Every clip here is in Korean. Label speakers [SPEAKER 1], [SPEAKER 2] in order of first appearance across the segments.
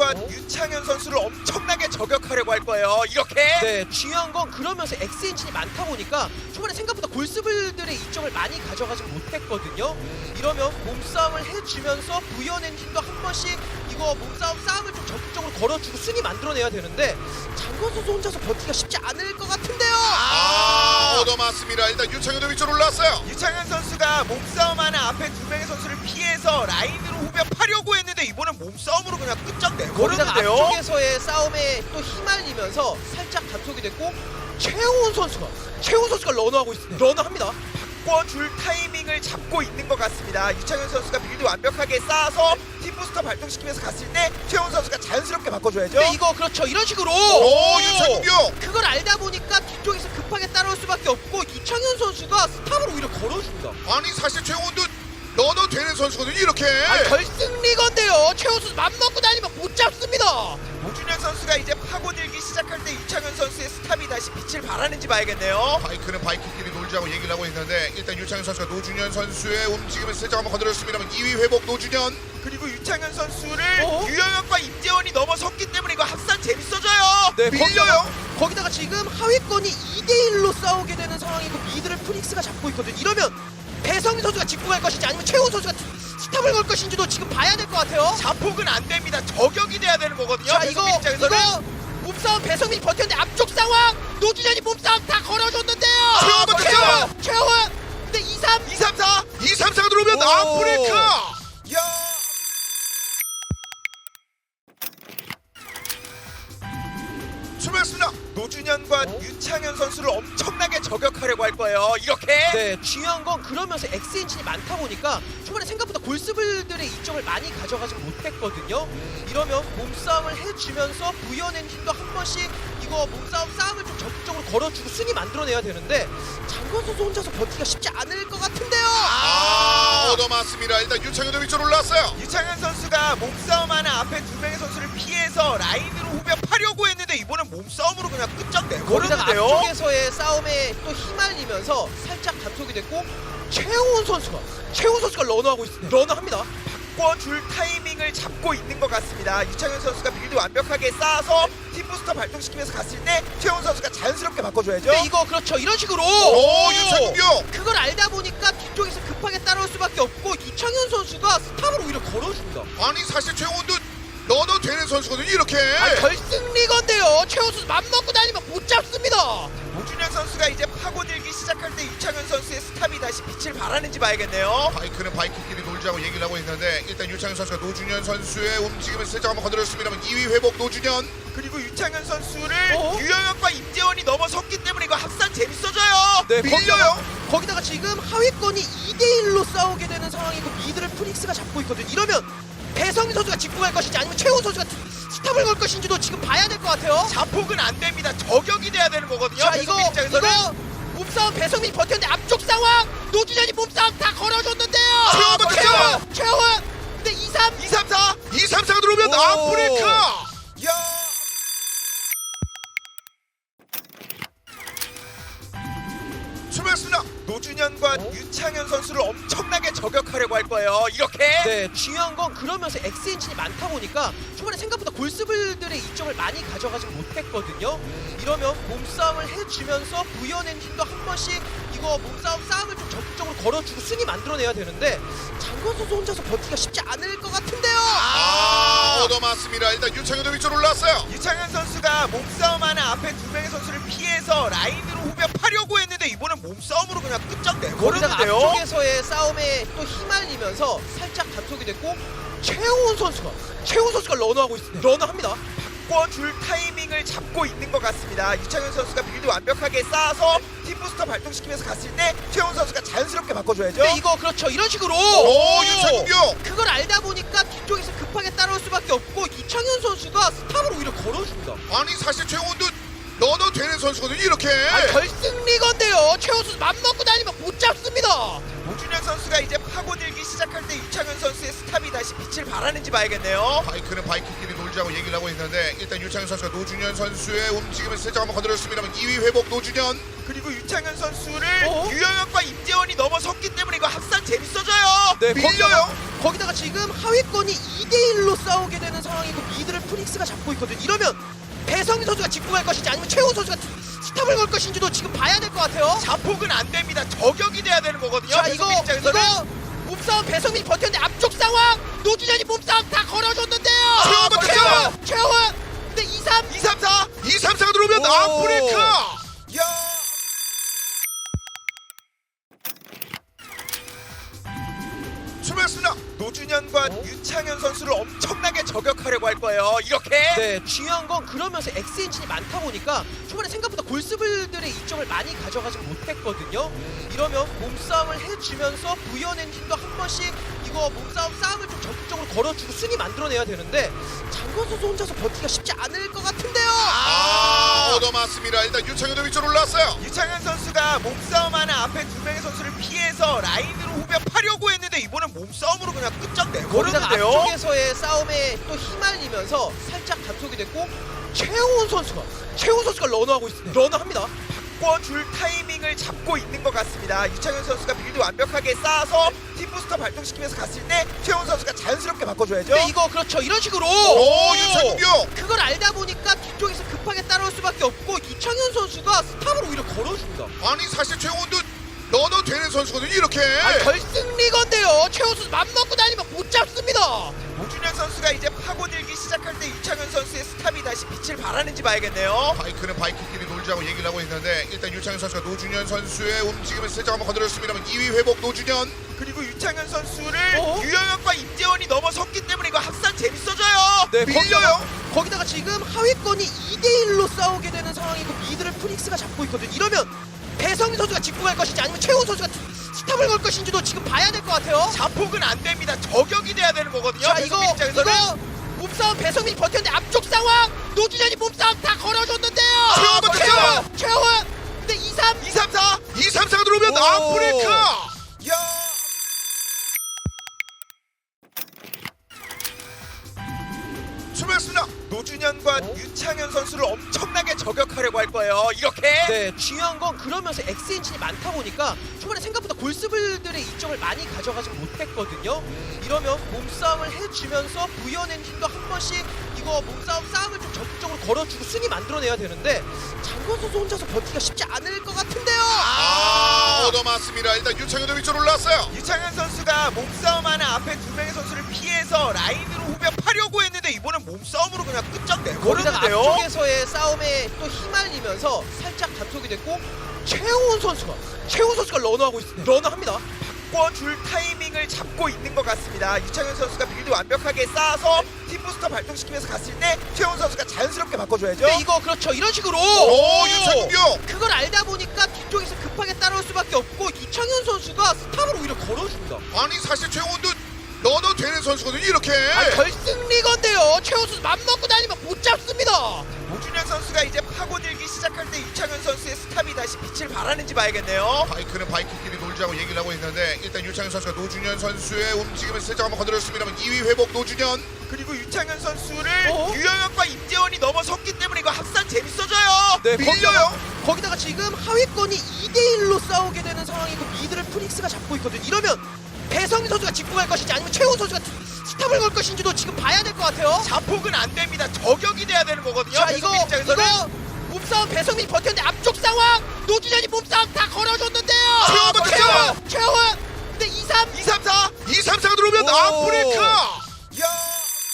[SPEAKER 1] 노준현과 유창현 선수를 엄청나게 저격하려고 할 거예요. 이렇게.
[SPEAKER 2] 네, 중요한 건 그러면서 X 엔진이 많다 보니까 초반에 생각보다 골스블들의 이점을 많이 가져가지 못했거든요. 이러면 몸싸움을 해주면서 부연 엔진도 한 번씩 이거 싸움을 좀 적극적으로 걸어주고 순위 만들어내야 되는데 장건 선수 혼자서 버티기가 쉽지 않을 것 같은데요.
[SPEAKER 3] 얻어맞습니다. 일단 유창현도 위쪽으로 올라왔어요.
[SPEAKER 1] 유창현 선수가 몸싸움하는 앞에 두 명의 선수를 피해서 라인으로 후벼파려고 했는데 이번엔 몸싸움으로 그냥 끝장
[SPEAKER 2] 거기다가
[SPEAKER 1] 내버렸는데요.
[SPEAKER 2] 앞쪽에서의 싸움에 또 휘말리면서 살짝 단속이 됐고 최훈 선수가 러너하고 있습니다. 러너합니다.
[SPEAKER 1] 바꿔줄 타이밍을 잡고 있는 것 같습니다. 유창현 선수가 빌드 완벽하게 쌓아서 팀부스터 발동시키면서 갔을 때 최훈 선수가 자연스럽게 바꿔줘야죠.
[SPEAKER 2] 네, 이거 그렇죠. 이런 식으로
[SPEAKER 3] 오, 유창현!
[SPEAKER 2] 그걸 알다 보니까 뒤쪽에서 급하게 따라올 수밖에 없고 유창현 선수가 스탑으로 오히려 걸어줍니다.
[SPEAKER 3] 아니 사실 최원도 넣어도 되는 선수거든요. 이렇게.
[SPEAKER 2] 결승 리건데요. 최훈 선수 맘먹고 다니면 못 잡습니다.
[SPEAKER 1] 노준현 선수가 이제 파고들기 시작할 때 유창현 선수의 스탑이 다시 빛을 발하는지 봐야겠네요.
[SPEAKER 3] 바이크는 바이크끼리 놀자고 얘기를 하고 있는데 일단 유창현 선수가 노준현 선수의 움직임을 살짝 한번 건드렸습니다만 2위 회복 노준현.
[SPEAKER 1] 그리고 유창현 선수를 유영혁과 임재원이 넘어섰기 때문에 이거 합산 재밌어져요.
[SPEAKER 2] 네,
[SPEAKER 1] 밀려요.
[SPEAKER 2] 거기다가 지금 하위권이 2대1로 싸우게 되는 상황이고 미드를 프닉스가 잡고 있거든. 이러면 배성민 선수가 짚고 갈 것인지 아니면 최훈 선수가 스탑을 걸 것인지도 지금 봐야 될 것 같아요.
[SPEAKER 1] 자폭은 안 됩니다. 저격이 돼야 되는 거거든요.
[SPEAKER 2] 자, 이거
[SPEAKER 1] 입장에서는.
[SPEAKER 2] 몸싸움 배성민이 버텼는데 앞쪽 상황 노준현이 몸싸움 다 걸어줬는데요.
[SPEAKER 3] 최훈 버텼죠?
[SPEAKER 2] 최훈 근데 2, 3
[SPEAKER 1] 2, 3, 4.
[SPEAKER 3] 2, 3, 4가 들어오면
[SPEAKER 2] 오.
[SPEAKER 3] 아프리카.
[SPEAKER 1] 야.
[SPEAKER 3] 출발했습니다.
[SPEAKER 1] 노준현과 유창현 선수를 엄청나게 저격하려고 할 거예요. 이렇게.
[SPEAKER 2] 네, 중요한 건 그러면서 X 엔진이 많다 보니까 초반에 생각보다 골스블들의 이점을 많이 가져가지 못했거든요. 이러면 몸싸움을 해주면서 부연 엔진도 한 번씩 이거 싸움을 좀 적극적으로 걸어주고 순위 만들어내야 되는데 장건 선수 혼자서 버티기가 쉽지 않을 것 같은데요.
[SPEAKER 3] 얻어맞습니다. 일단 유창현도 위쪽으로 올라왔어요.
[SPEAKER 1] 유창현 선수가 몸싸움하는 앞에 두 명의 선수를 피해서 라인으로 후벼파려고 했는데 이번엔 몸싸움으로 그냥 끝장
[SPEAKER 2] 거기다가
[SPEAKER 1] 내버렸는데요.
[SPEAKER 2] 앞쪽에서의 싸움에 또 휘말리면서 살짝 단속이 됐고 최훈 선수가 러너하고 있습니다. 러너합니다.
[SPEAKER 1] 바꿔줄 타이밍을 잡고 있는 것 같습니다. 유창현 선수가 빌드 완벽하게 쌓아서 팀부스터 발동시키면서 갔을 때 최훈 선수가 자연스럽게 바꿔줘야죠.
[SPEAKER 2] 네, 이거 그렇죠. 이런 식으로
[SPEAKER 3] 오, 유창현!
[SPEAKER 2] 그걸 알다 보니까 뒤쪽에서 급하게 따라올 수밖에 없고 유창현 선수가 스탑을 오히려 걸어줍니다.
[SPEAKER 3] 아니 사실 최원도 넣어도 되는 선수거든요. 이렇게.
[SPEAKER 2] 결승 리건데요. 최훈 선수 맘먹고 다니면 못 잡습니다.
[SPEAKER 1] 노준현 선수가 이제 파고들기 시작할 때 유창현 선수의 스탑이 다시 빛을 발하는지 봐야겠네요.
[SPEAKER 3] 바이크는 바이크끼리 놀자고 얘기를 하고 있는데 일단 유창현 선수가 노준현 선수의 움직임을 살짝 한번 건드렸습니다만 2위 회복 노준현.
[SPEAKER 1] 그리고 유창현 선수를 유영혁과 임재원이 넘어섰기 때문에 이거 합산 재밌어져요.
[SPEAKER 2] 네,
[SPEAKER 1] 밀려요.
[SPEAKER 2] 거기다가 지금 하위권이 2대1로 싸우게 되는 상황이고 미드를 프닉스가 잡고 있거든. 이러면 배성민 선수가 짚고 갈 것인지 아니면 최훈 선수가 스탑을 걸 것인지도 지금 봐야 될 것 같아요.
[SPEAKER 1] 자폭은 안 됩니다. 저격이 돼야 되는 거거든요.
[SPEAKER 2] 자, 이거
[SPEAKER 1] 입장에서는.
[SPEAKER 2] 몸싸움 배성민이 버텼는데 앞쪽 상황 노준현이 몸싸움 다 걸어줬는데요.
[SPEAKER 3] 최훈 버텼죠?
[SPEAKER 2] 최훈 근데 2, 3
[SPEAKER 1] 2, 3, 4.
[SPEAKER 3] 2, 3, 4가 들어오면
[SPEAKER 2] 오.
[SPEAKER 3] 아프리카.
[SPEAKER 1] 야.
[SPEAKER 3] 출발했습니다.
[SPEAKER 1] 노준현과 유창현 선수를 엄청나게 저격하려고 할 거예요. 이렇게.
[SPEAKER 2] 네, 중요한 건 그러면서 X 엔진이 많다 보니까 초반에 생각보다 골스블들의 이점을 많이 가져가지 못했거든요. 이러면 몸싸움을 해주면서 부연 엔진도 한 번씩 이거 싸움을 좀 적극적으로 걸어주고 순위 만들어내야 되는데 장건 선수 혼자서 버티기가 쉽지 않을 것 같은데요.
[SPEAKER 3] 얻어맞습니다. 일단 유창현도 위쪽으로 올라왔어요.
[SPEAKER 1] 유창현 선수가 몸싸움하는 앞에 두 명의 선수를 피해서 라인으로 후벼파려고 했는데 이번엔 몸싸움으로 그냥 끝장
[SPEAKER 2] 거기다가
[SPEAKER 1] 내버렸는데요.
[SPEAKER 2] 앞쪽에서의 싸움에 또 휘말리면서 살짝 단속이 됐고 최훈 선수가 러너하고 있습니다. 러너합니다.
[SPEAKER 1] 바꿔줄 타이밍을 잡고 있는 것 같습니다. 유창현 선수가 빌드 완벽하게 쌓아서 팀부스터 발동시키면서 갔을 때 최훈 선수가 자연스럽게 바꿔줘야죠.
[SPEAKER 2] 네, 이거 그렇죠. 이런 식으로
[SPEAKER 3] 오, 유창현!
[SPEAKER 2] 그걸 알다 보니까 뒤쪽에서 급하게 따라올 수밖에 없고 유창현 선수가 스탑을 오히려 걸어줍니다.
[SPEAKER 3] 아니 사실 최원도 넣어도 되는 선수거든요. 이렇게.
[SPEAKER 2] 결승 리건데요. 최훈 선수 맘먹고 다니면 못 잡습니다.
[SPEAKER 1] 노준현 선수가 이제 파고들기 시작할 때 유창현 선수의 스탑이 다시 빛을 발하는지 봐야겠네요.
[SPEAKER 3] 바이크는 바이크끼리 놀자고 놀자고 얘기를 하고 있는데 일단 유창현 선수가 노준현 선수의 움직임을 살짝 한번 건드렸습니다만 2위 회복 노준현.
[SPEAKER 1] 그리고 유창현 선수를
[SPEAKER 2] 어?
[SPEAKER 1] 유영혁과 임재원이 넘어섰기 때문에 이거 합산 재밌어져요.
[SPEAKER 2] 네,
[SPEAKER 3] 밀려요.
[SPEAKER 2] 거기다가 지금 하위권이 2대1로 싸우게 되는 상황이고 미드를 프닉스가 잡고 있거든. 이러면 배성민 선수가 짚고 갈 것인지 아니면 최훈 선수가 스탑을 걸 것인지도 지금 봐야 될 것 같아요.
[SPEAKER 1] 자폭은 안 됩니다. 저격이 돼야 되는 거거든요.
[SPEAKER 2] 자, 이거
[SPEAKER 1] 배수빈 입장에서는.
[SPEAKER 2] 몸싸움 배성민이 버텼는데 앞쪽 상황 노준현이 몸싸움 다 걸어줬는데요.
[SPEAKER 3] 최훈 버텨요.
[SPEAKER 2] 최훈 근데 2, 3
[SPEAKER 1] 2, 3, 4.
[SPEAKER 3] 2, 3, 4가 들어오면
[SPEAKER 2] 오.
[SPEAKER 3] 아프리카.
[SPEAKER 1] 야.
[SPEAKER 3] 출발했습니다.
[SPEAKER 1] 노준현과
[SPEAKER 2] 어?
[SPEAKER 1] 유창현 선수를 엄청나게 저격하려고 할 거예요. 이렇게.
[SPEAKER 2] 네, 중요한 건 그러면서 X엔진이 많다 보니까 초반에 생각보다 골스블들의 이점을 많이 가져가지 못했거든요. 이러면 몸싸움을 해주면서 부연 엔진도 한 번씩 이거 몸싸움 싸움을 좀 적극적으로 걸어주고 순위 만들어내야 되는데 장건 선수 혼자서 버티기가 쉽지 않을 것 같은데요.
[SPEAKER 3] 얻어맞습니다. 일단 유창현도 위쪽으로 올라왔어요.
[SPEAKER 1] 유창현 선수가 몸싸움하는 앞에 두 명의 선수를 피해서 라인으로 후벼 파려고 했는데 이번엔 몸싸움으로 그냥
[SPEAKER 2] 거기다가
[SPEAKER 1] 끝장내버렸는데요.
[SPEAKER 2] 앞쪽에서의 싸움에 또 휘말리면서 살짝 단속이 됐고 최훈 선수가 러너하고 있습니다. 러너합니다.
[SPEAKER 1] 바꿔줄 타이밍을 잡고 있는 것 같습니다. 유창현 선수가 빌드 완벽하게 쌓아서 팀부스터 발동시키면서 갔을 때 최훈 선수가 자연스럽게 바꿔줘야죠.
[SPEAKER 2] 근데 이거 그렇죠. 이런 식으로
[SPEAKER 3] 오, 유창현.
[SPEAKER 2] 그걸 알다 보니까 뒤쪽에서 급하게 따라올 수밖에 없고 유창현 선수가 스탑을 오히려 걸어줍니다.
[SPEAKER 3] 아니 사실 최훈도 넣어도 되는 선수거든요. 이렇게.
[SPEAKER 2] 결승 리건데요. 최훈 선수 맘먹고 다니면 못 잡습니다.
[SPEAKER 1] 노준현 선수가 이제 파고들기 시작할 때 유창현 선수의 스탑이 다시 빛을 발하는지 봐야겠네요.
[SPEAKER 3] 바이크는 바이크끼리 놀자고 얘기를 하고 있는데 일단 유창현 선수가 노준현 선수의 움직임을 살짝 한번 건드렸습니다만 2위 회복 노준현.
[SPEAKER 1] 그리고 유창현 선수를
[SPEAKER 2] 어?
[SPEAKER 1] 유영혁과 임재원이 넘어섰기 때문에 이거 합산 재밌어져요.
[SPEAKER 2] 네,
[SPEAKER 3] 밀려요.
[SPEAKER 2] 거기다가 지금 하위권이 2대1로 싸우게 되는 상황이고 미드를 프닉스가 잡고 있거든. 이러면 배성민 선수가 짚고 갈 것인지 아니면 최훈 선수가 스탑을 걸 것인지도 지금 봐야 될 것 같아요.
[SPEAKER 1] 자폭은 안 됩니다. 저격이 돼야 되는 거거든요.
[SPEAKER 2] 자, 이거
[SPEAKER 1] 배수빈 입장에서는.
[SPEAKER 2] 몸싸움 배성민이 버텼는데 앞쪽 상황 노준현이 몸싸움 다 걸어줬는데요.
[SPEAKER 3] 최훈 버텨요.
[SPEAKER 2] 최훈 근데 2, 3
[SPEAKER 1] 2, 3, 4.
[SPEAKER 3] 2, 3, 4가 들어오면
[SPEAKER 2] 오.
[SPEAKER 3] 아프리카.
[SPEAKER 1] 야.
[SPEAKER 3] 출발했습니다.
[SPEAKER 1] 노준현과
[SPEAKER 2] 어?
[SPEAKER 1] 유창현 선수를 엄청나게 저격하려고 할 거예요. 이렇게.
[SPEAKER 2] 네, 중요한 건 그러면서 X엔진이 많다 보니까 초반에 생각보다 골스블들의 이점을 많이 가져가지 못했거든요. 이러면 몸싸움을 해주면서 부연 엔진도 한 번씩 이거 몸싸움 싸움을 좀 적극적으로 걸어주고 순위 만들어내야 되는데 장건 선수 혼자서 버티기가 쉽지 않을 것 같은데요.
[SPEAKER 3] 얻어맞습니다. 일단 유창현도 위쪽으로 올라왔어요.
[SPEAKER 1] 유창현 선수가 몸싸움하는 앞에 두 명의 선수를 피해서 라인으로 후벼 파려고 했는데 이번엔 몸싸움으로 그냥
[SPEAKER 2] 거기다가
[SPEAKER 1] 끝장내버렸는데요.
[SPEAKER 2] 앞쪽에서의 싸움에 또 휘말리면서 살짝 단속이 됐고 최훈 선수가 러너하고 있습니다. 러너합니다.
[SPEAKER 1] 바꿔줄 타이밍을 잡고 있는 것 같습니다. 유창현 선수가 빌드 완벽하게 쌓아서 팀부스터 발동시키면서 갔을 때 최훈 선수가 자연스럽게 바꿔줘야죠.
[SPEAKER 2] 근데 이거 그렇죠. 이런 식으로
[SPEAKER 3] 오, 유창현.
[SPEAKER 2] 그걸 알다 보니까 뒤쪽에서 급하게 따라올 수밖에 없고 유창현 선수가 스탑을 오히려 걸어줍니다.
[SPEAKER 3] 아니 사실 최훈도 넣어도 되는 선수거든요. 이렇게.
[SPEAKER 2] 결승 리건데요. 최훈 선수 맘먹고 다니면 못 잡습니다.
[SPEAKER 1] 노준현 선수가 이제 파고들기 시작할 때 유창현 선수의 스탑이 다시 빛을 발하는지 봐야겠네요.
[SPEAKER 3] 바이크는 바이크끼리 놀자고 얘기를 하고 있는데 일단 유창현 선수가 노준현 선수의 움직임을 살짝 한번 건드렸습니다만 2위 회복 노준현.
[SPEAKER 1] 그리고 유창현 선수를
[SPEAKER 2] 어?
[SPEAKER 1] 유영혁과 임재원이 넘어섰기 때문에 이거 합산 재밌어져요.
[SPEAKER 2] 네,
[SPEAKER 3] 밀려요.
[SPEAKER 2] 거기다가 지금 하위권이 2대1로 싸우게 되는 상황이고 미드를 프닉스가 잡고 있거든. 이러면 배성민 선수가 짚고 갈 것인지 아니면 최훈 선수가 스탑을 걸 것인지도 지금 봐야 될 것 같아요.
[SPEAKER 1] 자폭은 안 됩니다. 저격이 돼야 되는 거거든요.
[SPEAKER 2] 자, 이거
[SPEAKER 1] 배수빈 입장에서는.
[SPEAKER 2] 몸싸움 배성민이 버텼는데 앞쪽 상황 노준현이 몸싸움 다 걸어줬는데요.
[SPEAKER 3] 최훈 버텨요.
[SPEAKER 2] 최훈 근데 2, 3
[SPEAKER 1] 2, 3, 4.
[SPEAKER 3] 2, 3, 4가 들어오면
[SPEAKER 2] 오.
[SPEAKER 3] 아프리카.
[SPEAKER 1] 야.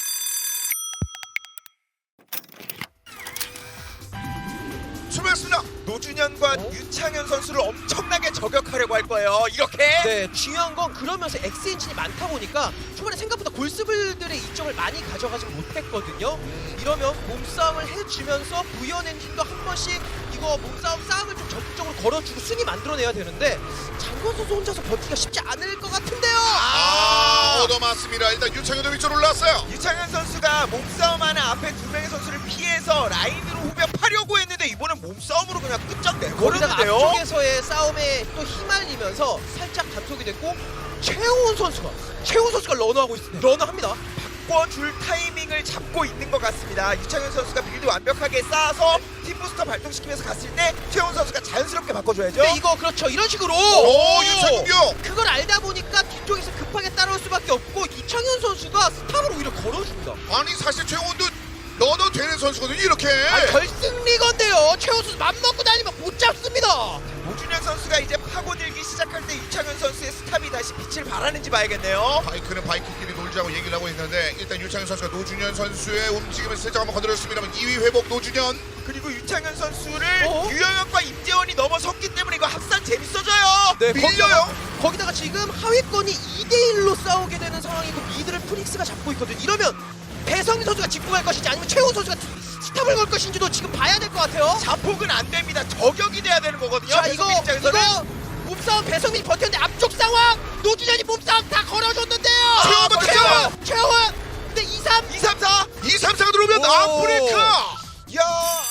[SPEAKER 3] 출발했습니다.
[SPEAKER 1] 노준현과
[SPEAKER 2] 어?
[SPEAKER 1] 유창현 선수를 엄청나게 저격하려고 할 거예요. 이렇게.
[SPEAKER 2] 네, 중요한 건 그러면서 X엔진이 많다 보니까 초반에 생각보다 골스블들의 이점을 많이 가져가지 못했거든요. 이러면 몸싸움을 해주면서 부연 엔진도 한 번씩 이거 몸싸움 싸움을 좀 적극적으로 걸어주고 순위 만들어내야 되는데 장건 선수 혼자서 버티기가 쉽지 않을 것 같은데요.
[SPEAKER 3] 얻어맞습니다. 일단 유창현도 위쪽으로 올라왔어요.
[SPEAKER 1] 유창현 선수가 몸싸움하는 앞에 두 명의 선수를 피해서 라인으로 후벼 파려고 했는데 이번엔 몸싸움으로 그냥
[SPEAKER 2] 거기다가
[SPEAKER 1] 끝장내버렸는데요.
[SPEAKER 2] 앞쪽에서의 싸움에 또 휘말리면서 살짝 단속이 됐고 최훈 선수가 러너하고 있습니다. 러너합니다.
[SPEAKER 1] 바꿔줄 타이밍을 잡고 있는 것 같습니다. 유창현 선수가 빌드 완벽하게 쌓아서 팀 부스터 발동시키면서 갔을 때 최훈 선수가 자연스럽게 바꿔줘야죠.
[SPEAKER 2] 네, 이거 그렇죠. 이런 식으로
[SPEAKER 3] 오, 유창현
[SPEAKER 2] 그걸 알다 보니까 뒤쪽에서 급하게 따라올 수밖에 없고 이창현 선수가 스탑을 오히려 걸어줍니다.
[SPEAKER 3] 아니 사실 최원도 넣어도 되는 선수거든요 이렇게.
[SPEAKER 2] 결승 리건데요. 최훈 선수 맘먹고 다니면 못 잡습니다.
[SPEAKER 1] 오준현 선수가 이제 파고들기 시작할 때 유창현 선수의 스탑이 다시 빛을 발하는지 봐야겠네요.
[SPEAKER 3] 바이크는 바이크끼리 놀자고 얘기를 하고 있는데 일단 유창현 선수가 노준현 선수의 움직임을 살짝 한번 건드렸습니다만 2위 회복 노준현.
[SPEAKER 1] 그리고 유창현 선수를
[SPEAKER 2] 어?
[SPEAKER 1] 유영혁과 임재원이 넘어섰기 때문에 이거 합산 재밌어져요.
[SPEAKER 2] 네,
[SPEAKER 3] 밀려요.
[SPEAKER 2] 거기다가 지금 하위권이 2대1로 싸우게 되는 상황이고 미드를 프닉스가 잡고 있거든요. 이러면 배성민 선수가 짚고 갈 것인지 아니면 최훈 선수가 스탑을 걸 것인지도 지금 봐야 될 것 같아요.
[SPEAKER 1] 자폭은 안 됩니다. 저격이 돼야 되는 거거든요.
[SPEAKER 2] 자, 이거
[SPEAKER 1] 배성민 입장에서는.
[SPEAKER 2] 몸싸움 배성민이 버텼는데 앞쪽 상황 노준현이 몸싸움 다 걸어줬는데요.
[SPEAKER 3] 최훈 버텼어요.
[SPEAKER 2] 최훈 근데 2, 3
[SPEAKER 1] 2, 3, 4.
[SPEAKER 3] 2, 3, 4가 들어오면
[SPEAKER 2] 오.
[SPEAKER 3] 아프리카.
[SPEAKER 1] 야.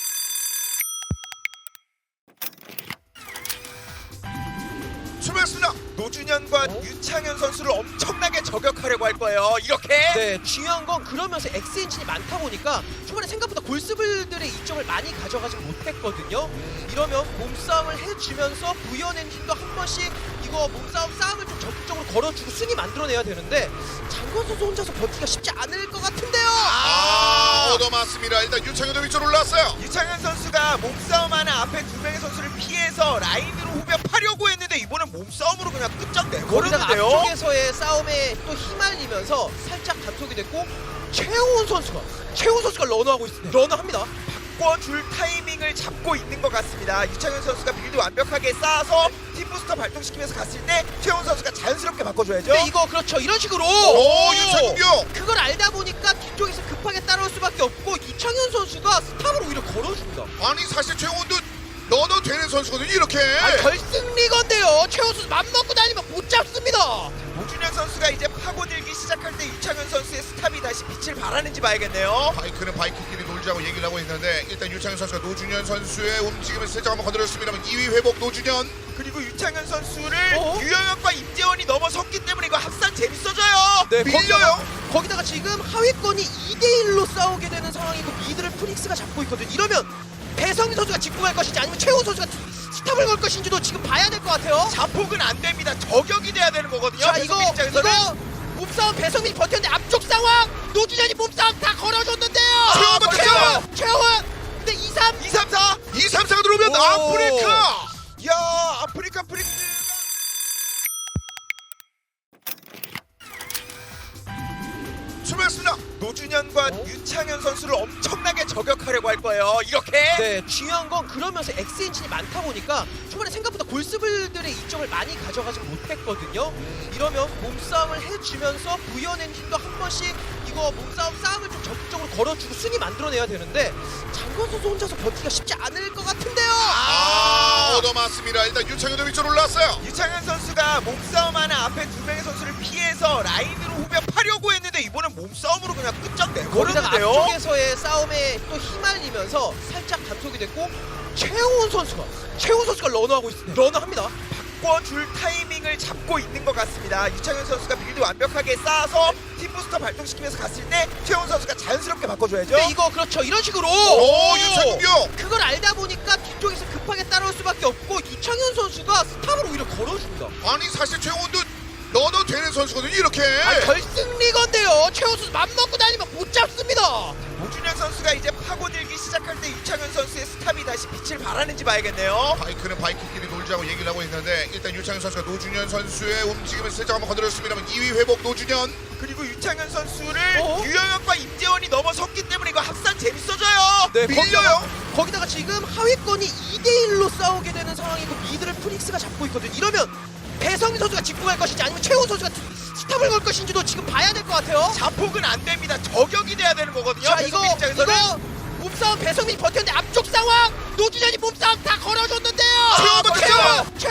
[SPEAKER 3] 출발했습니다.
[SPEAKER 1] 노준현과 유창현 선수를 엄청나게 저격하려고 할 거예요. 이렇게.
[SPEAKER 2] 네, 중요한 건 그러면서 X엔진이 많다 보니까 초반에 생각보다 골스블들의 이점을 많이 가져가지 못했거든요. 이러면 몸싸움을 해주면서 부연 엔진도 한 번씩 이거 몸싸움 싸움을 좀 적극적으로 걸어주고 순위 만들어내야 되는데 장건 선수 혼자서 버티기가 쉽지 않을 것 같은데요.
[SPEAKER 3] 얻어맞습니다. 일단 유창현도 위쪽으로 올라왔어요.
[SPEAKER 1] 유창현 선수가 몸싸움하는 앞에 두 명의 선수를 피해서 라인으로 후벼파려고 했는데 이번엔 몸싸움으로 그냥
[SPEAKER 2] 거기다가
[SPEAKER 1] 끝장내버렸는데요.
[SPEAKER 2] 앞쪽에서의 싸움에 또 휘말리면서 살짝 단속이 됐고 최훈 선수가 러너하고 있습니다. 러너합니다.
[SPEAKER 1] 바꿔줄 타이밍을 잡고 있는 것 같습니다. 유창현 선수가 빌드 완벽하게 쌓아서 팀 부스터 발동시키면서 갔을 때 최훈 선수가 자연스럽게 바꿔줘야죠.
[SPEAKER 2] 네, 이거 그렇죠. 이런 식으로
[SPEAKER 3] 오, 유창현.
[SPEAKER 2] 그걸 알다 보니까 뒤쪽에서 급하게 따라올 수밖에 없고 이창현 선수가 스탑을 오히려 걸어줍니다.
[SPEAKER 3] 아니 사실 최원도 넣어도 되는 선수거든요 이렇게.
[SPEAKER 2] 결승 리건데요. 최훈 선수 맘먹고 다니면 못 잡습니다.
[SPEAKER 1] 오준현 선수가 이제 파고들기 시작할 때 유창현 선수의 스탑이 다시 빛을 발하는지 봐야겠네요.
[SPEAKER 3] 바이크는 바이크끼리 놀자고 얘기를 하고 있는데 일단 유창현 선수가 노준현 선수의 움직임을 살짝 한번 건드렸습니다만 2위 회복 노준현.
[SPEAKER 1] 그리고 유창현 선수를 유영혁과 임재원이 넘어섰기 때문에 이거 합산 재밌어져요.
[SPEAKER 2] 네,
[SPEAKER 3] 밀려요.
[SPEAKER 2] 거기다가 지금 하위권이 2대1로 싸우게 되는 상황이고 미드를 프닉스가 잡고 있거든요. 이러면 배성민 선수가 짚고 갈 것인지 아니면 최훈 선수가 스탑을 걸 것인지도 지금 봐야 될 것 같아요.
[SPEAKER 1] 자폭은 안 됩니다. 저격이 돼야 되는 거거든요.
[SPEAKER 2] 자,
[SPEAKER 1] 배성민 입장에서는.
[SPEAKER 2] 몸싸움 배성민이 버텼는데 앞쪽 상황 노준현이 몸싸움 다 걸어줬는데요.
[SPEAKER 3] 최훈 버텼어요.
[SPEAKER 2] 최훈 근데 2, 3
[SPEAKER 1] 2, 3, 4.
[SPEAKER 3] 2, 3, 4가 들어오면
[SPEAKER 2] 오.
[SPEAKER 3] 아프리카.
[SPEAKER 1] 야, 아프리카 프릭스가
[SPEAKER 3] 출발했습니다.
[SPEAKER 1] 노준현과 유창현 선수를 엄청나게 저격하려고 할 거예요. 이렇게.
[SPEAKER 2] 네, 중요한 건 그러면서 X엔진이 많다 보니까 초반에 생각보다 골스블들의 이점을 많이 가져가지 못했거든요. 이러면 몸싸움을 해주면서 부연 엔진도 한 번씩 이거 몸싸움 싸움을 좀 적극적으로 걸어주고 순위 만들어내야 되는데 장건 선수 혼자서 버티기가 쉽지 않을 것 같은데요.
[SPEAKER 3] 얻어맞습니다. 일단 유창현도 위쪽으로 올라왔어요.
[SPEAKER 1] 유창현 선수가 몸싸움하는 앞에 두 명의 선수를 피해서 라인으로 후벼파려고 했는데 이번엔 몸싸움으로 그냥
[SPEAKER 2] 거기다가
[SPEAKER 1] 끝장내버렸는데요.
[SPEAKER 2] 앞쪽에서의 싸움에 또 휘말리면서 살짝 단속이 됐고 최훈 선수가 러너하고 있습니다. 러너합니다.
[SPEAKER 1] 바꿔줄 타이밍을 잡고 있는 것 같습니다. 유창현 선수가 빌드 완벽하게 쌓아서 팀 부스터 발동시키면서 갔을 때 최훈 선수가 자연스럽게 바꿔줘야죠.
[SPEAKER 2] 네, 이거 그렇죠. 이런 식으로
[SPEAKER 3] 오, 유창현.
[SPEAKER 2] 그걸 알다 보니까 뒤쪽에서 급하게 따라올 수밖에 없고 이창현 선수가 스탑을 오히려 걸어줍니다.
[SPEAKER 3] 아니 사실 최원도 넣어도 되는 선수거든요 이렇게.
[SPEAKER 2] 결승 리건데요. 최훈 선수 맘먹고 다니면 못 잡습니다.
[SPEAKER 1] 오준현 선수가 이제 파고들기 시작할 때 유창현 선수의 스탑이 다시 빛을 발하는지 봐야겠네요.
[SPEAKER 3] 바이크는 바이크끼리 놀자고 얘기를 하고 있는데 일단 유창현 선수가 노준현 선수의 움직임을 살짝 한번 건드렸습니다만 2위 회복 노준현.
[SPEAKER 1] 그리고 유창현 선수를 유영혁과 임재원이 넘어섰기 때문에 이거 합산 재밌어져요.
[SPEAKER 2] 네,
[SPEAKER 3] 밀려요.
[SPEAKER 2] 거기다가 지금 하위권이 2대1로 싸우게 되는 상황이고 미드를 프닉스가 잡고 있거든요. 이러면 배성민 선수가 짚고 갈 것인지 아니면 최훈 선수가 스탑을 걸 것인지도 지금 봐야 될 것 같아요.
[SPEAKER 1] 자폭은 안 됩니다. 저격이 돼야 되는 거거든요.
[SPEAKER 2] 자,
[SPEAKER 1] 배성민 입장에서는.
[SPEAKER 2] 몸싸움 배성민이 버텼는데 앞쪽 상황 노준현이 몸싸움 다 걸어줬는데요.
[SPEAKER 3] 최훈 버텼어요.